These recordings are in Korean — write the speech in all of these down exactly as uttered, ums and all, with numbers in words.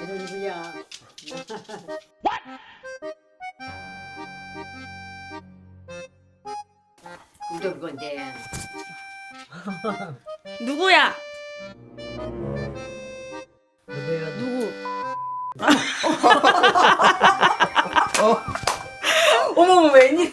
누구야? 우리 건데. 누구야? 누구야? 누구? 어머머 웬일?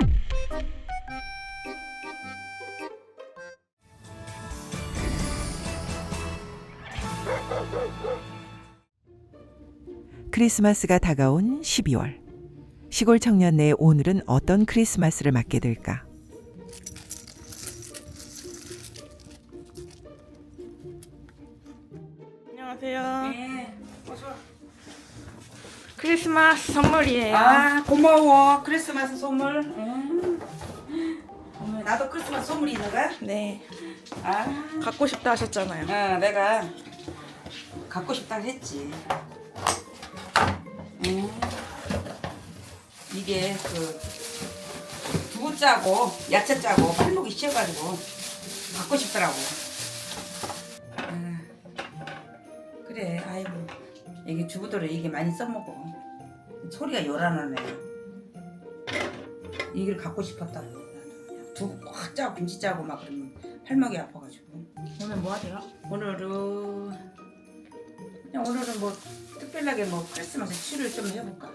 크리스마스가 다가온 십이월. 시골 청년네의 오늘은 어떤 크리스마스를 맞게 될까? 안녕하세요. 네. 어서. 크리스마스 선물이에요. 아 고마워. 크리스마스 선물. 음. 어머, 나도 크리스마스 선물이 있는 거야? 네. 아, 갖고 싶다 하셨잖아요. 어, 내가 갖고 싶다고 했지. 음. 이게 그 두부 짜고 야채 짜고 팔목이 씌어가지고 갖고 싶더라고. 아, 그래, 아이고 이게 주부들은 이게 많이 써먹어. 소리가 요란하네. 이걸 갖고 싶었다고. 두부 꽉 짜고 김치 짜고 막 그러면 팔목이 아파가지고. 오늘 뭐 하세요? 오늘은 그냥 오늘은 뭐 특별하게 뭐 크리스마스 치료를 좀 해볼까.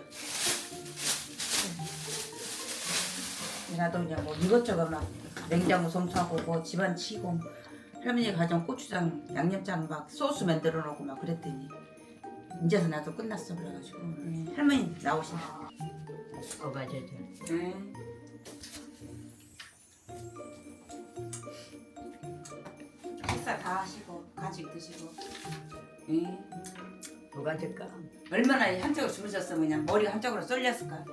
나도 그냥 뭐 이것저것 막 냉장고 청소하고 뭐 집안 치고 할머니가 가져온 고추장 양념장 막 소스 만들어 놓고 막 그랬더니 이제서 나도 끝났어 그래가지고. 네, 할머니 나오신다. 어 맞아. 네. 식사 다 하시고 간식 드시고. 네. 뭐가 될까? 얼마나 한쪽으로 주무셨으면 그냥 머리가 한쪽으로 쏠렸을까.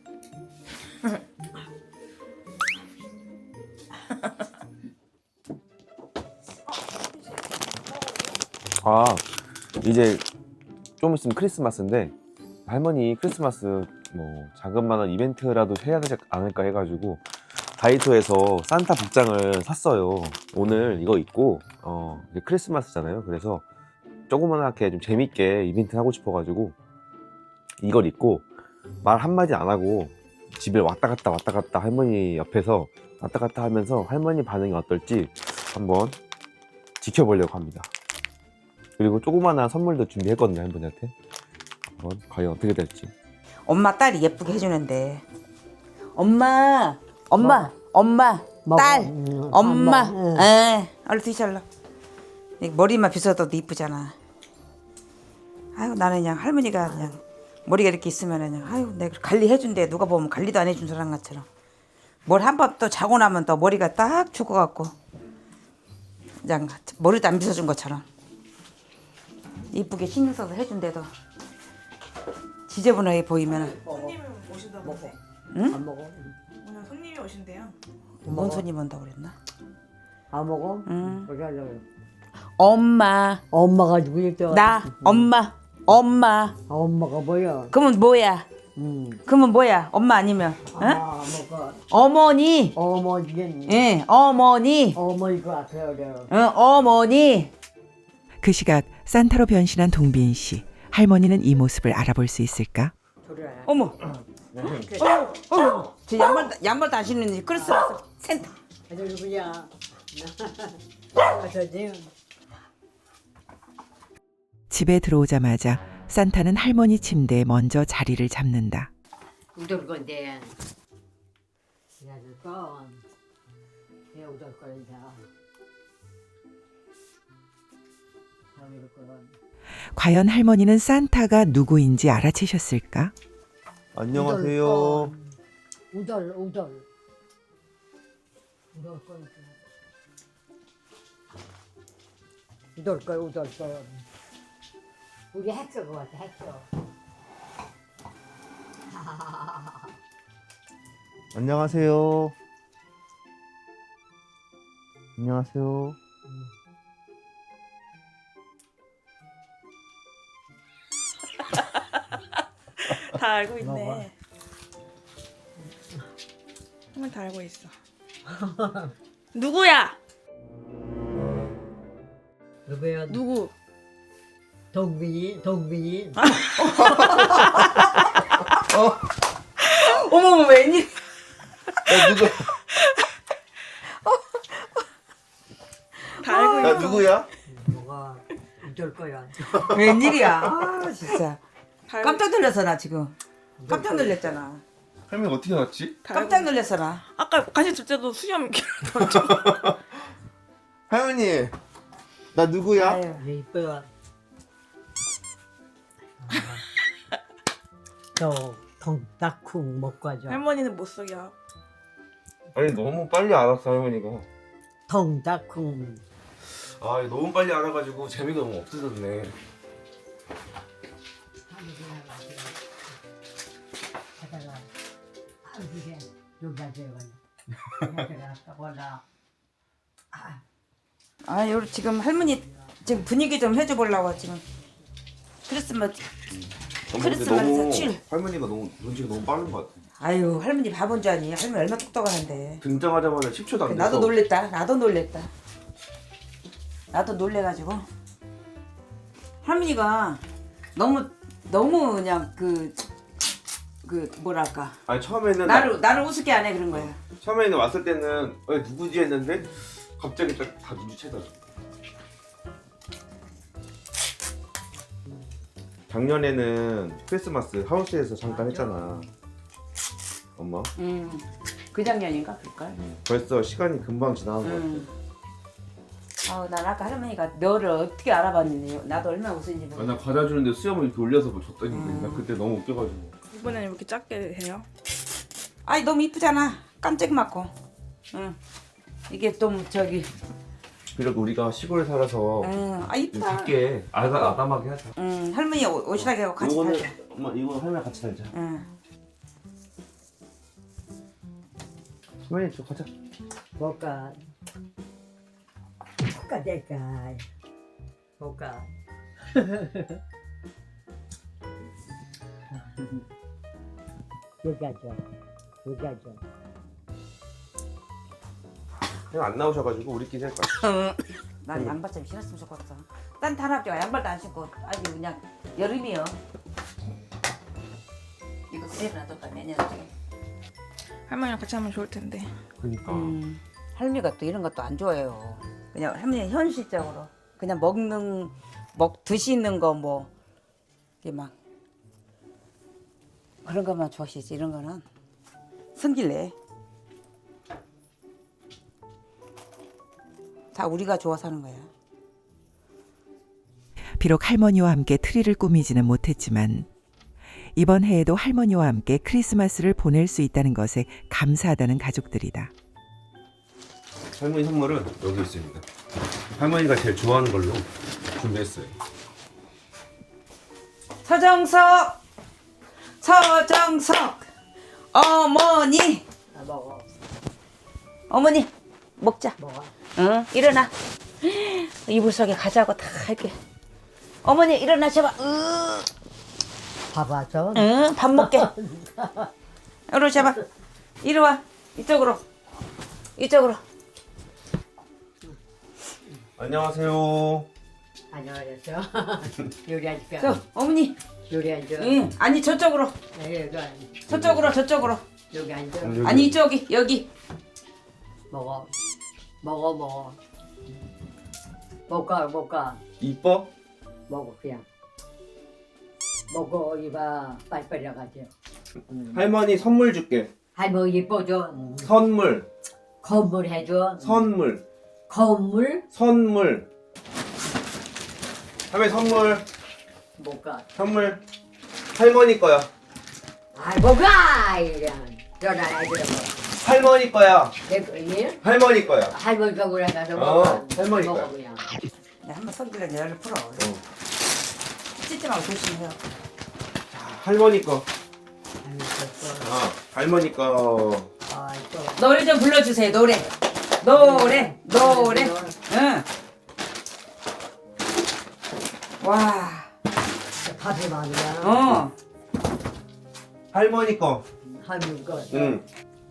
아, 이제 좀 있으면 크리스마스인데 할머니 크리스마스 뭐 자그마한 이벤트라도 해야 되지 않을까 해가지고 다이소에서 산타 복장을 샀어요. 오늘 이거 입고 어 이제 크리스마스잖아요. 그래서 조그만하게 좀 재밌게 이벤트 하고 싶어가지고 이걸 입고 말 한마디 안 하고 집에 왔다 갔다 왔다 갔다 할머니 옆에서 왔다 갔다 하면서 할머니 반응이 어떨지 한번 지켜보려고 합니다. 그리고 조그마한 선물도 준비했거든요, 할머니한테. 한번 과연 어떻게 될지. 엄마 딸이 예쁘게 해주는데. 엄마, 엄마, 엄마, 딸, 응, 엄마. 안 먹어. 응. 에, 얼른 드셔라. 머리만 빗어도 이쁘잖아. 아유 나는 그냥 할머니가 그냥 머리가 이렇게 있으면 그냥 아유 내가 관리해준대. 누가 보면 관리도 안 해준 사람 것처럼. 뭘 한 번 또 자고 나면 또 머리가 딱 죽어갖고 그냥 머리도 안 빗어준 것처럼 이쁘게 신경 써서 해준대도 지저분하게 보이면 손님 오신다던데. 응? 안 먹어. 오늘 손님이 오신대요. 뭔 손님 온다고 그랬나? 안 먹어? 응. 그래 하려고. 엄마 엄마가 누구였죠? 나 엄마 엄마 엄마가 뭐야? 그러면 뭐야? 응. 그러면 뭐야? 엄마 아니면 응? 아, 뭐가 어머니 어머니겠니? 예 어머니 어머니가 앞에 그래. 응 어머니. 그 시각 산타로 변신한 동빈 씨. 할머니는 이 모습을 알아볼 수 있을까? 어머 어, 어, 저 양말 양말도 안 신는 크리스마스 센터. 아저 누구야? 아저지. 집에 들어오자마자 산타는 할머니 침대에 먼저 자리를 잡는다. 우리 건데. 야들 건. 내 우리 거야. 우리 건. 과연 할머니는 산타가 누구인지 알아채셨을까? 안녕하세요. 우덜 우덜. 우덜 거. 우덜 거 우덜 거. 우리 했어 그거 같아 했어. 안녕하세요. 안녕하세요. 다 알고 있네. 할머니 다 알고 있어. 누구야? 누구야? 누구? 동민이, 동민이. 어머머 웬일? 야 누구? 다 알고 야 있어. 누구야? 뭐가 이럴 거야. 웬일이야? 아 진짜 다 알고 깜짝 놀랐어 나 지금. 깜짝 놀랐잖아. 할머니 어떻게 알았지? 다 알고 깜짝 놀랐어 나. 아까 같이 줄 때도 수염 할머니 나 누구야? 아유. 이뻐. 저 동닭국 먹고 가죠. 할머니는 못 속여. 아니 너무 빨리 알았어 할머니가. 동닭국. 아 너무 빨리 알아가지고 재미가 너무 없어졌네. 하다가 아 이게 여기 앉아요. 내가 올라. 아 요 지금 할머니 지금 분위기 좀 해줘 보려고 지금 크리스마스. 크리스마스 칠. 할머니가 너무 눈치가 너무 빠른 것 같아. 아유 할머니 바본 줄 아니? 할머니 얼마나 똑똑하는데. 등장하자마자 십 초도 안 돼서. 나도 놀랬다. 나도 놀랬다. 나도 놀래가지고 할머니가 너무 너무 그냥 그 그 뭐랄까 아니 처음에는 나를 나를 우습게 안 해 그런 거야. 처음에는 왔을 때는 어, 누구지 했는데 갑자기 딱 다 눈치채더라고. 작년에는 크리스마스 하우스에서 잠깐 했잖아. 엄마. 음, 그 작년인가 그럴걸. 벌써 시간이 금방 지나간 것 같아. 음. 아우 난 아까 할머니가 너를 어떻게 알아봤니? 나도 얼마나 웃은지 아, 모르. 나 과자 주는데 수염을 이렇게 올려서 뭐 줬더니 음. 나 그때 너무 웃겨가지고. 이번에는 왜 이렇게 작게 해요? 아이 너무 이쁘잖아. 깜짝 맞고. 응. 이게 좀 저기. 그리고 우리가 시골에 살아서 응. 아 좀 이쁘다. 작게 아담 아담하게 하자. 응. 할머니 옷- 옷이라게 하고 같이 이거는 살자. 엄마 이거 할머니 같이 살자. 응. 할머니 저 가자. 뭐가 뭐가 될까? 뭐가 여기 앉아. 여기 앉아. 그냥 안 나오셔가지고 우리끼리 할 거야. 난 양발 좀 신었으면 좋겠어. 딴 탄압지가 양발도 안 신고 아주 그냥 여름이요. 이거 그대로 놔뒀다 내년에. 할머니랑 같이 하면 좋을 텐데. 그러니까. 음, 할미가 또 이런 것도 안 좋아해요. 그냥 할머니 현실적으로 그냥 먹는 먹 드시는 거 뭐 이게 막 그런 것만 좋아하시지 이런 거는 성질내. 다 우리가 좋아서 하는 거야. 비록 할머니와 함께 트리를 꾸미지는 못했지만 이번 해에도 할머니와 함께 크리스마스를 보낼 수 있다는 것에 감사하다는 가족들이다. 할머니 선물은 여기 있습니다. 할머니가 제일 좋아하는 걸로 준비했어요. 서정석, 서정석, 어머니, 아, 먹어. 어머니 먹자. 먹어. 응, 일어나. 이불 속에 가자고 다 할게. 어머니 일어나셔봐. 으, 봐봐 저. 응, 밥 먹게. 이리 잡아. 이리 와. 이쪽으로. 이쪽으로. 안녕하세요. 안녕하세요. 요리 앉을까? 저 어머니. 요리 앉아. 응, 아니 저쪽으로. 네, 여기 앉아. 저쪽으로 저쪽으로. 여기 앉아. 여기. 아니 이쪽이 여기. 먹어. 먹어 먹어. 먹가 먹가. 이뻐? 먹어 그냥. 먹어 이봐 빨리빨리 나가지. 음. 할머니 선물 줄게. 할머니 이뻐줘. 음. 선물. 건물 해줘. 선물. 건물 선물. 할머니 선물. 먹가. 선물. 할머니 거야. 아 먹가 이런. 전화 해줘. 할머니 거야. 내 거니? 할머니 거야. 할머니가 그래 가서 어, 먹어. 할머니 먹어 거야. 그냥. 야, 한번 손질러 열을 풀어. 어. 찢지 말고 조심해요. 할머니 거. 할머니 거. 아, 할머니 거. 아 또. 노래 좀 불러주세요. 노래. 노래. 노래. 응. 와. 밥이 많이야. 어. 할머니 거. 할머니 거. 응.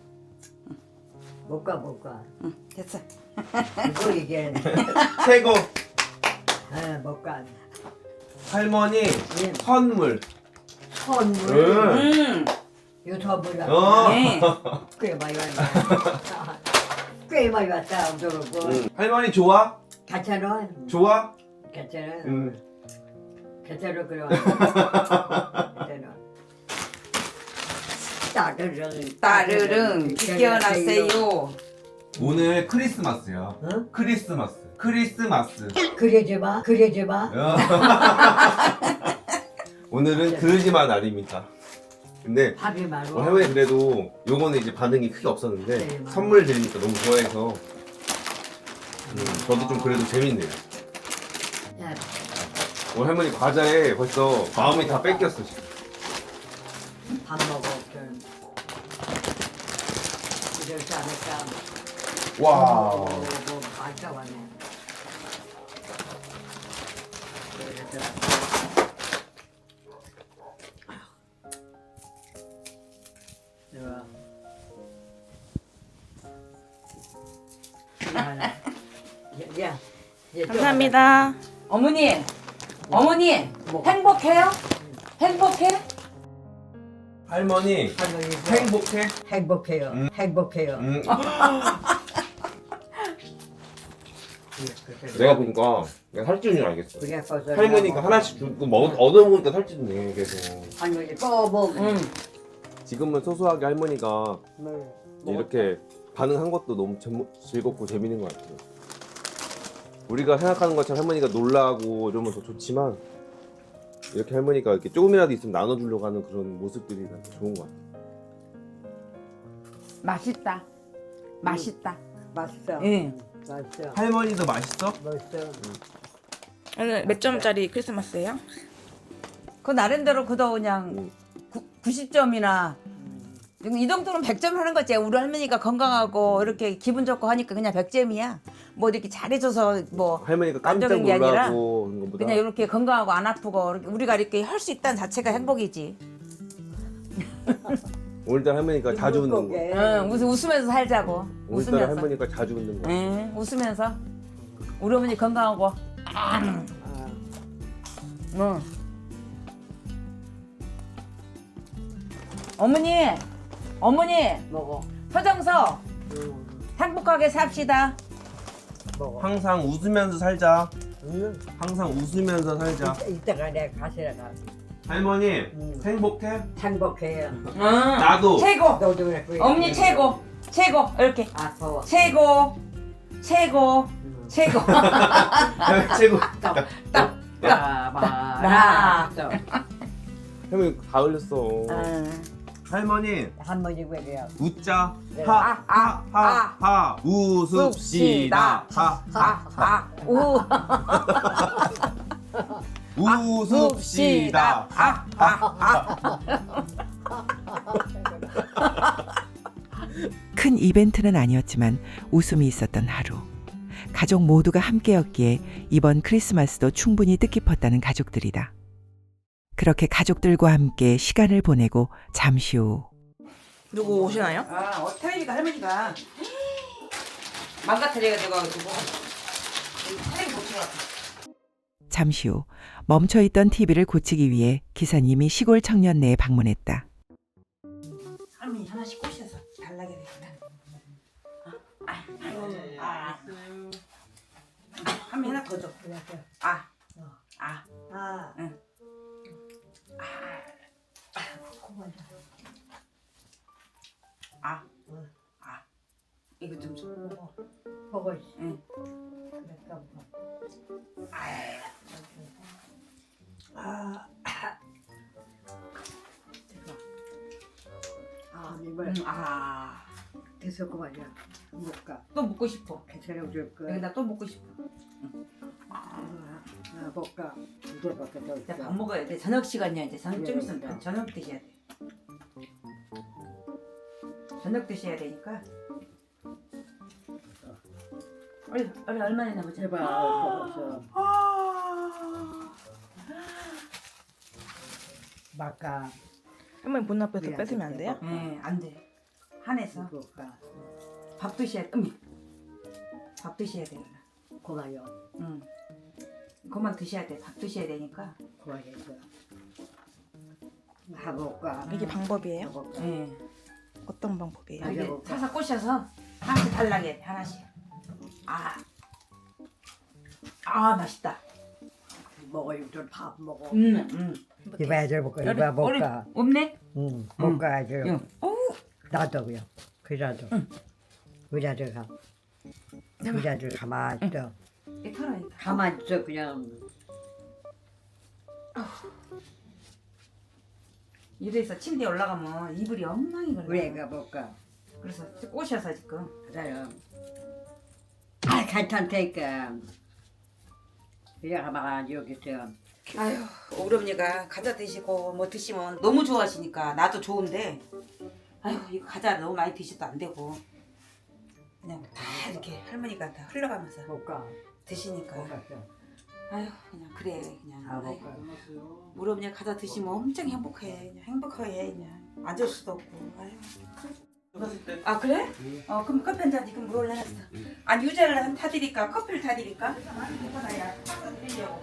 먹가 먹가. 응. 됐어. 이거 이게. 최고. 아 먹가. 할머니 예. 선물. 선물. 응. 음. 이거 선물이야. 어. 네. 꽤 많이 왔다. 꽤 많이 왔다. 그러고 응. 할머니 좋아? 괜찮아. 좋아? 괜찮아. 응. 괜찮아 그래. 괜찮아. 따르릉 따르릉 비켜나세요. 오늘 크리스마스야. 어? 크리스마스. 크리스마스. 그러지 마. 그러지 마. 오늘은 그러지마 날입니다. 근데 밥이 많아. 어, 할머니 그래도 요거는 이제 반응이 크게 없었는데 네, 맞아요. 선물 드리니까 너무 좋아해서 음, 저도 좀 그래도 재밌네요. 야, 오늘 할머니 과자에 벌써 마음이 다 뺏겼어 지금. 밥 먹어. 좀. 그러지 않을까. 와. 뭐, 뭐, 맛있다 왔네. 그러더라. 좋아. 야, 야, 이제 또 감사합니다. 어머니, 어머니 뭐? 행복해요? 행복해? 할머니 할머니 행복해? 행복해요. 음. 행복해요. 음, 그래, 내가 보니까 내가 살찌는 줄 알겠어. 그래, 벌써 할머니가 하나씩 주고 먹 얻어먹으니까 살찌네 계속. 할머니 뽀뽀. 응. 지금은 소소하게 할머니가 뭘 이렇게 반응한 것도 너무 재- 즐겁고 재밌는 것 같아요. 우리가 생각하는 것처럼 할머니가 놀라고 이러면 더 좋지만 이렇게 할머니가 이렇게 조금이라도 있으면 나눠주려고 하는 그런 모습들이 좋은 것 같아요. 맛있다. 맛있다. 맛있어. 응. 맛있어. 할머니도 맛있어? 맛있어. 오늘 몇 점짜리 크리스마스예요? 그 나름대로 그도 그냥 응. 구, 구십 점이나 이 정도는 백 점 하는 거지. 우리 할머니가 건강하고 이렇게 기분 좋고 하니까 그냥 백 점이야. 뭐 이렇게 잘해줘서 뭐 할머니가 깜짝 만족인 게 아니라 놀라고 그런 것보다 그냥 이렇게 건강하고 안 아프고 이렇게 우리가 이렇게 할 수 있다는 자체가 행복이지. 오늘따라 할머니가 자주 웃는 거. 물고기. 응, 웃, 웃으면서 살자고. 오늘따라 웃으면서. 할머니가 자주 웃는 거. 응, 웃으면서. 우리 어머니 건강하고. 아, 응. 어머니, 어머니, 먹어. 서정서 응, 행복하게 삽시다. 먹어. 항상 웃으면서 살자. 응. 항상 웃으면서 살자. 이따가 내가 가시러 가. 할머니 응. 행복해? 행복해요. 응. 나도. 최고. 너도 그래. 어머니 최고, 최고 이렇게 아까워. 최고, 최고, 응. 최고. 최고. 딱, 딱, 따바라. 할머니 다 흘렸어. 응. 할머니 할머니 왜 그래요? 웃자. 네. 하, 아, 하, 하, 하. 웃읍시다. 하, 아, 아, 우. 웃읍시다. 아, 아, 아. 큰 이벤트는 아니었지만 웃음이 있었던 하루. 가족 모두가 함께였기에 이번 크리스마스도 충분히 뜻깊었다는 가족들이다. 그렇게 가족들과 함께 시간을 보내고 잠시 후 누구 오시나요? 아, 어, 테레비가 할머니가 망가뜨려가지고 가지고 테레비 고치러 왔다. 잠시 후 멈춰있던 티비를 고치기 위해 기사님이 시골 청년네에 방문했다. 할머니 하나씩 꼬셔서 달라게 되겠다. 아, 아, 아, 아. 할머니 하나 더 줘. 아, 아, 아, 응. 아, 아. 이거 좀 줘. 보고 있어. 응. 아, 아, 이걸 음, 아. 됐어 그만이야. 못 가. 또 먹고 싶어. 괜찮아 줄 거야. 여기다 또 먹고 싶어. 아, 못 가. 이제밖에 더 이제 있어. 밥 먹어야 돼. 저녁 시간이야. 이제 저녁 좀 예, 있으면 그러니까. 저녁 드셔야 돼. 저녁 드셔야 되니까. 얼른 얼른 얼마나 보자. 제발 먹었어. 막가. 할머니 문 앞에서 뺏으면 안 돼요? 네, 안 돼. 한해서 못 가. 밥 드셔야 돼. 음. 밥 드셔야 돼. 고마요. 응. 그만 드셔야 돼. 밥 드셔야 되니까. 그래서 해볼까? 이게 방법이에요? 해볼까? 예. 어떤 방법이에요? 이게 해볼까? 사서 꼬셔서 하나씩 달라게 해, 하나씩. 아, 아 맛있다. 먹어 이거 밥 먹어. 음, 음. 이거 애들 볼까? 이거 어리- 볼까? 없네? 응, 볼까 애들. 응. 어우, 나도 그요. 그자도. 그자도 가. 그자도 가만 있어. 이 털어야겠다. 가만 있어 그냥. 이래서 침대에 올라가면 이불이 엉망이 걸려. 왜 가볼까? 그래서 꼬셔서 지금. 그래요. 아 괜찮다니까. 그냥 가만 여기 있어. 아유, 우리 언니가 과자 드시고 뭐 드시면 너무 좋아하시니까 나도 좋은데, 아유 이거 과자 너무 많이 드셔도 안 되고 그냥 다 이렇게 할머니가 다 흘러가면서 볼까? 드시니까 볼까? 아유 그냥 그래 그냥. 아 아이고, 볼까? 우리 언니 과자 드시면 엄청 행복해. 그냥 행복해 그냥 앉을 수도 없고. 아유. 아 그래? 어 그럼 커피 한 잔 지금 물 올라놨어. 아니 유자를 한 타드릴까? 커피를 타드릴까? 나야 타드리려고.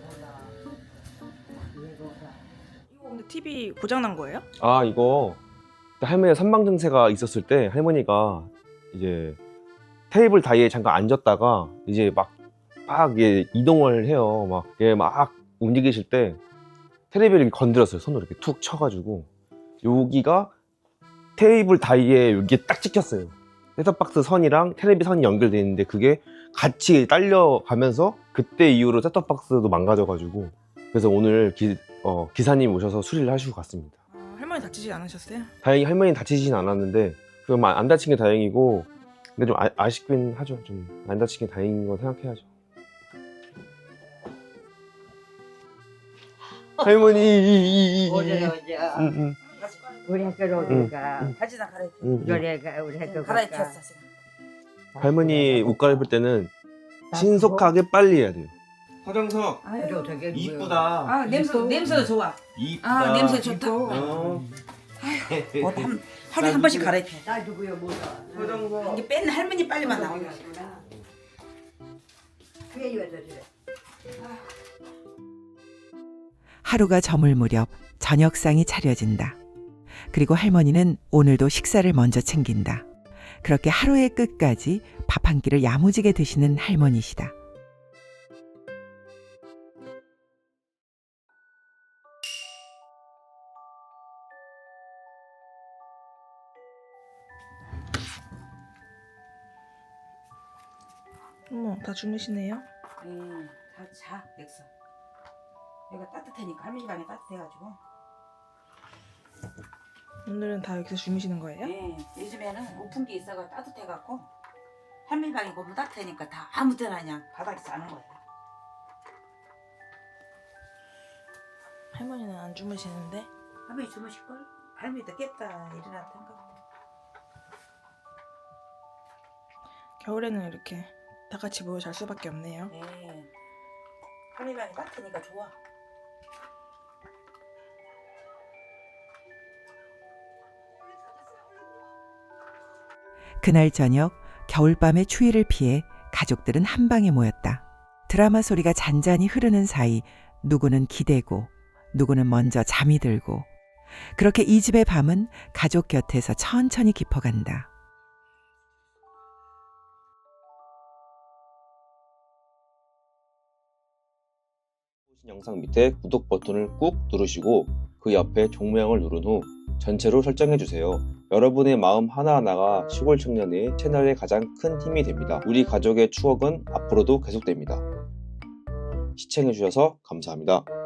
이거 근데 티비 고장난 거예요? 아 이거 할머니가 선망 증세가 있었을 때 할머니가 이제 테이블 다이에 잠깐 앉았다가 이제 막 막 이동을 해요. 막 얘 막 움직이실 때 테레비를 건드렸어요. 손으로 이렇게 툭 쳐가지고 여기가 테이블 다이에 여기에 딱 찍혔어요. 셋톱박스 선이랑 테레비 선이 연결돼 있는데 그게 같이 딸려가면서 그때 이후로 셋톱박스도 망가져가지고 그래서 오늘 기, 어, 기사님 오셔서 수리를 하시고 갔습니다. 아, 할머니 다치지 않으셨어요? 다행히 할머니는 다치진 않았는데 그럼 안 다친 게 다행이고 근데 좀 아, 아쉽긴 하죠. 좀 안 다친 게 다행인 거 생각해야죠. 할머니 어제 어제 응, 응, 우리 학교로 오니까 바지나 갈아입혀. 응, 응. 우리가 우리 학교 갈아입혔어 지금. 할머니 옷 갈아입을 때는 신속하게 빨리 해야 돼요. 화장석 아유. 되게 이쁘다. 아 냄새 냄새도 좋아. 이쁘다. 아 냄새 좋다. 어. 옷 한, 하루에 한 번씩 갈아입혀. 나 누구야 뭐야? 화장석. 이게 뺀 할머니 빨리만 나오네. 그게 이거죠 그래. 하루가 저물 무렵 저녁상이 차려진다. 그리고 할머니는 오늘도 식사를 먼저 챙긴다. 그렇게 하루의 끝까지 밥 한 끼를 야무지게 드시는 할머니시다. 어머, 다 주무시네요. 음, 다 자, 넥서. 여기가 따뜻하니까 할머니 방이 따뜻해가지고. 오늘은 다 여기서 주무시는 거예요? 예, 요즘에는 오픈기 있어가 따뜻해갖고 할머니 방이 너무 따뜻하니까 다 아무 때나 그냥 바닥에 자는 거예요. 할머니는 안 주무시는데? 할머니 주무실걸? 할머니도 깼다 일어날 생각. 겨울에는 이렇게 다 같이 모여 잘 수밖에 없네요. 예, 할머니 방이 따뜻하니까 좋아. 그날 저녁 겨울밤의 추위를 피해 가족들은 한 방에 모였다. 드라마 소리가 잔잔히 흐르는 사이 누구는 기대고 누구는 먼저 잠이 들고 그렇게 이 집의 밤은 가족 곁에서 천천히 깊어간다. 보신 영상 밑에 구독 버튼을 꾹 누르시고 그 옆에 종모양을 누른 후 전체로 설정해 주세요. 여러분의 마음 하나하나가 시골 청년의 채널의 가장 큰 힘이 됩니다. 우리 가족의 추억은 앞으로도 계속됩니다. 시청해 주셔서 감사합니다.